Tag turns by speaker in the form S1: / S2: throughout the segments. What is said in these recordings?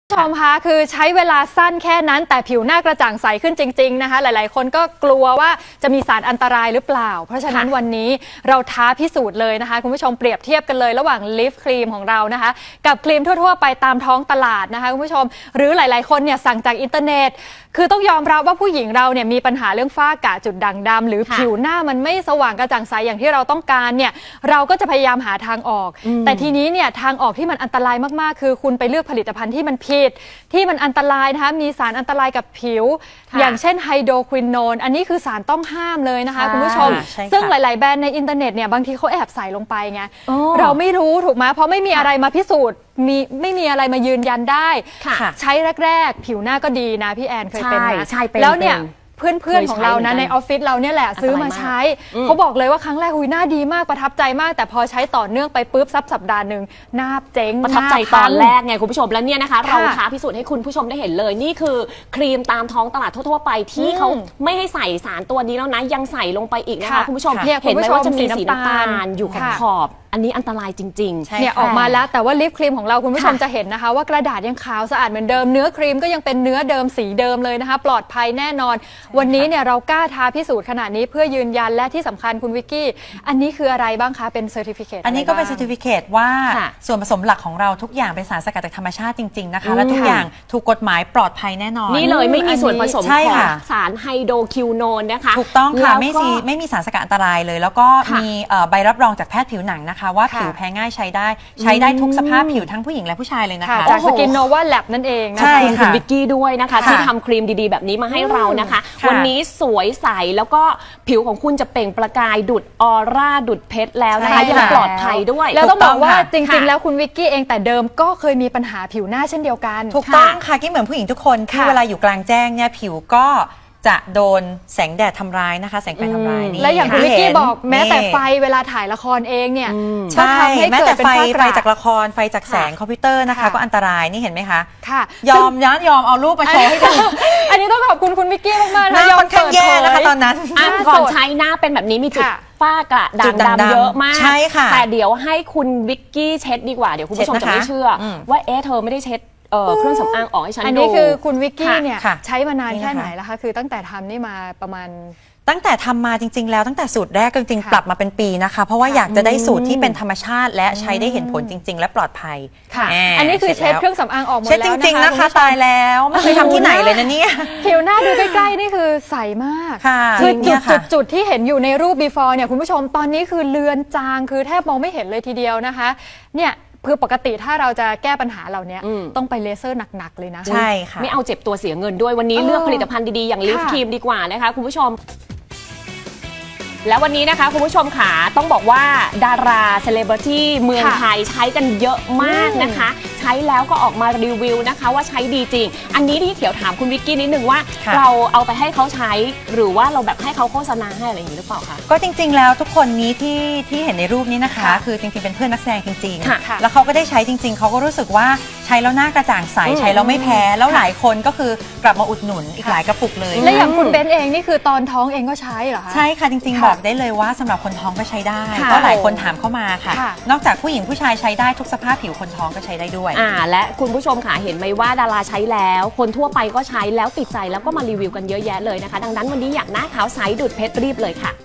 S1: ชมคะคือใช้เวลาสั้นแค่นั้นแต่ผิวหน้ากระจ่างใสขึ้นจริงๆนะคะหลายๆคนก็กลัวว่าจะมีสารอันตรายหรือเปล่าเพราะฉะนั้นวันนี้เราท้าพิสูจน์เลยนะคะคุณผู้ชมเปรียบเทียบกันเลยระหว่างลิฟต์ครีมของเรานะคะกับครีมทั่วๆไปตามท้องตลาดนะคะคุณผู้ชมหรือหลายๆคนเนี่ยสั่งจากอินเทอร์เน็ตคือต้องยอมรับว่าผู้หญิงเราเนี่ยมีปัญหาเรื่องฝ้ากระจุดด่างดำหรือผิวหน้ามันไม่สว่างกระจ่างใสอย่างที่เราต้องการเนี่ยเราก็จะพยายามหาทางออกแต่ทีนี้เนี่ยทางออกที่มันอันตรายมากๆคือคุณไปเลือกผลิตภัณฑ์ที่มันผิดที่มันอันตรายนะคะมีสารอันตรายกับผิวอย่างเช่นไฮโดรควินโนนอันนี้คือสารต้องห้ามเลยนะคะคุณผู้ชมซึ่งหลายๆแบรนด์ในอินเทอร์เน็ตเนี่ยบางทีเขาแอบใส่ลงไปไงเราไม่รู้ถูกไหมเพราะไม่มีอะไรมาพิสูจน์ไม่มีอะไรมายืนยันได้ใช้แรกๆผิวหน้าก็ดีนะพี่แอนเคยเป็นนะแล้วเนี่ยเพื่อนๆของเรานะในออฟฟิศเราเนี่ยแหละซื้อมาใช้เขาบอกเลยว่าครั้งแรกหน้าดีมากประทับใจมากแต่พอใช้ต่อเนื่องไปปุ๊บสัปดาห์หนึ่งหน้าเจ๊ง
S2: ประทับใจตอนแรกไงคุณผู้ชมแล้วเนี่ยนะคะเราท้าพิสูจน์ให้คุณผู้ชมได้เห็นเลยนี่คือครีมตามท้องตลาดทั่วๆไปที่เขาไม่ให้ใส่สารตัวนี้แล้วนะยังใส่ลงไปอีกนะคะคุณผู้ชมเห็นไหมว่าจะมีสีน้ำตาลอยู่ขอบอันนี้อันตรายจริง
S1: ๆเนี่ยออกมาแล้วแต่ว่าลิปครีมของเราคุณผู้ชมจะเห็นนะคะว่ากระดาษยังขาวสะอาดเหมือนเดิมเนื้อครีมก็ยังเป็นเนื้อเดิมสีเดิมเลยนะคะปลอดภัยแน่นอนวันนี้เนี่ยเรากล้าท้าพิสูจน์ขนาดนี้เพื่อยืนยันและที่สำคัญคุณวิกกี้อันนี้คืออะไรบ้างคะเป็นเซอร์ติฟิเคต
S3: อันนี้ก็เป็นเซอร์ติฟิเคตว่าส่วนผสมหลักของเราทุกอย่างเป็นสารสกัดจากธรรมชาติจริงๆนะคะและทุกอย่างถูกกฎหมายปลอดภัยแน่นอน
S2: นี่เลยไม่มีส่วนผสมของสารไฮโดรคิวโนนนะคะ
S3: ถูกต้องค่ะไม่มีสารสกัดอันตรายเลยแล้วก็มีใบรับรองจากแพทย์ผิวหนังนะคะว่าผิวแพ้ง่ายใช้ได้ทุกสภาพผิวทั้งผู้หญิงและผู้ชายเลยนะคะ
S1: จากสกินโนวาแลบนั่นเอง
S2: นะคะคุณวิกกี้ด้วยนะคะที่ทำครีมดีๆแบบนี้มาให้เรานะคะวันนี้สวยใสแล้วก็ผิวของคุณจะเปล่งประกายดุดออร่าดุดเพชรแล้วนะคะยังปลอดภัยด้วย
S1: แล้วต้องบอกว่าจริงๆแล้วคุณวิกกี้เองแต่เดิมก็เคยมีปัญหาผิวหน้าเช่นเดียวกัน
S3: ถูกต้องค่ะกิ๊บเหมือนผู้หญิงทุกคนที่เวลาอยู่กลางแจ้งเนี่ยผิวก็จะโดนแสงแดดทำร้ายนะคะแสงไฟทำร้ายนี่
S1: และอย่างคุณวิกกี้บอกแม้แต่ไฟเวลาถ่ายละครเองเนี่ย
S3: ใช่แม้แต่ไฟจากละครไฟจากแสงคอมพิวเตอร์นะคะก็อันตรายนี่เห็นไหมคะ
S1: ค่ะ
S3: ยอมเอารูปมาโชว์ให้ดู
S1: อันนี้ต้องขอบคุณคุณวิกกี้มากๆ
S3: นะยอมค่อนข้างแย่นะคะตอนนั้น
S2: ก่อนใช้หน้าเป็นแบบนี้มีจุดฝ้ากระด่างดำเยอะมาก
S3: ใช่ค่ะ
S2: แต่เดี๋ยวให้คุณวิกกี้เช็ดดีกว่าเดี๋ยวคุณผู้ชมจะไม่เชื่อว่าเธอไม่ได้เช็ดเครื่องสำอางออกให้ฉันดู
S1: อันนี้คือคุณวิกกี้เนี่ยใช้มานานแค่ไหนแล้วคะคือตั้งแต่ทำนี่มาประมาณ
S3: ตั้งแต่ทำมาจริงๆแล้วตั้งแต่สูตรแรกจริงๆปรับมาเป็นปีนะคะเพราะว่าอยากจะได้สูตรที่เป็นธรรมชาติและใช้ได้เห็นผลจริงๆและปลอดภัย
S1: ค่ะอันนี้คือเช็ดเครื่องสำอางออกหมดแล้ว
S3: เช็ดจริงๆนะคะตายแล้วไม่เคยทำที่ไหนเลยนะเนี่ย
S1: ผิวหน้าดูใกล้ๆนี่คือใสมากคือจุดที่เห็นอยู่ในรูป before เนี่ยคุณผู้ชมตอนนี้คือเลือนจางคือแทบมองไม่เห็นเลยทีเดียวนะคะเนี่ยคือปกติถ้าเราจะแก้ปัญหาเหล่านี้ต้องไปเลเซอร์หนักๆเลยนะ
S3: ใช่ค่ะ
S2: ไม่เอาเจ็บตัวเสียเงินด้วยวันนี้เลือกผลิตภัณฑ์ดีๆอย่างลิฟครีมดีกว่านะคะคุณผู้ชมแล้ววันนี้นะคะคุณผู้ชมค่ะต้องบอกว่าดาราเซเลบริตี้เมืองไทยใช้กันเยอะมากนะคะใช้แล้วก็ออกมารีวิวนะคะว่าใช้ดีจริงอันนี้ที่เขียวถามคุณวิกกี้นิดนึงว่าเราเอาไปให้เขาใช้หรือว่าเราแบบให้เขาโฆษณาให้อะไรอย่างนี้หรือเปล่าคะ
S3: ก็จริงๆแล้วทุกคนนี้ที่เห็นในรูปนี้นะคะคือจริงๆเป็นเพื่อนนักแสดงจริงๆแล้วเขาก็ได้ใช้จริงๆเขาก็รู้สึกว่าใช้แล้วหน้ากระจ่างใสใช้แล้วไม่แพ้แล้วหลายคนก็คือกลับมาอุดหนุนอีกหลายกระปุกเลย
S1: และอย่างคุณเบนเองนี่คือตอนท้องเองก็ใช้เหรอคะ
S3: ใช่ค่ะจริงๆบอกได้เลยว่าสำหรับคนท้องก็ใช้ได้เพราะหลายคนถามเข้ามาค่ะนอกจากผู้หญิงผู้ชายใช้ได้ทุกสภาพผิวคนท้องก็ใช้ได้ด้วย
S2: และคุณผู้ชมค่ะเห็นไหมว่าดาราใช้แล้วคนทั่วไปก็ใช้แล้วติดใจแล้วก็มารีวิวกันเยอะแยะเลยนะคะดังนั้นวันนี้อยากหน้าขาวใสดุดเพชรรีบเลยค่ะ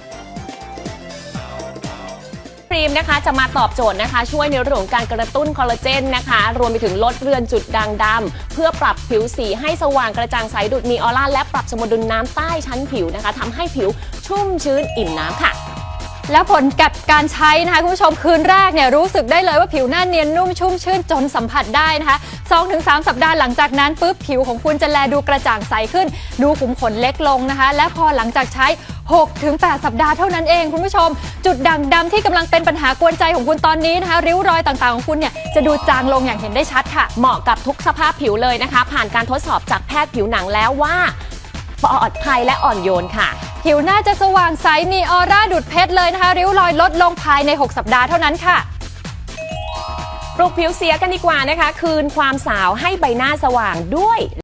S2: ครีมนะคะจะมาตอบโจทย์นะคะช่วยในเรื่องของการกระตุ้นคอลลาเจนนะคะรวมไปถึงลดเรือนจุดด่างดำเพื่อปรับผิวสีให้สว่างกระจ่างใสดุดมีออร่าและปรับสมดุลน้ำใต้ชั้นผิวนะคะทำให้ผิวชุ่มชื้นอิ่มน้ำค่ะ
S1: แล้วผลกับการใช้นะคะคุณผู้ชมคืนแรกเนี่ยรู้สึกได้เลยว่าผิวหน้าเนียนนุ่มชุ่มชื่นจนสัมผัสได้นะคะ 2-3 สัปดาห์หลังจากนั้นปุ๊บผิวของคุณจะแลดูกระจ่างใสขึ้นดูขุมขนเล็กลงนะคะและพอหลังจากใช้ 6-8 สัปดาห์เท่านั้นเองคุณผู้ชมจุดด่างดำที่กำลังเป็นปัญหากวนใจของคุณตอนนี้นะคะริ้วรอยต่างๆของคุณเนี่ยจะดูจางลงอย่างเห็นได้ชัดค่ะ
S2: เหมาะกับทุกสภาพผิวเลยนะคะผ่านการทดสอบจากแพทย์ผิวหนังแล้วว่าปลอดภัยและอ่อนโยนค่ะ
S1: ผิวหน้าจะสว่างใสมีออร่าดุดเพชรเลยนะคะริ้วรอยลดลงภายใน6สัปดาห์เท่านั้นค่ะ
S2: ปลุกผิวเสียกันดีกว่านะคะคืนความสาวให้ใบหน้าสว่างด้วย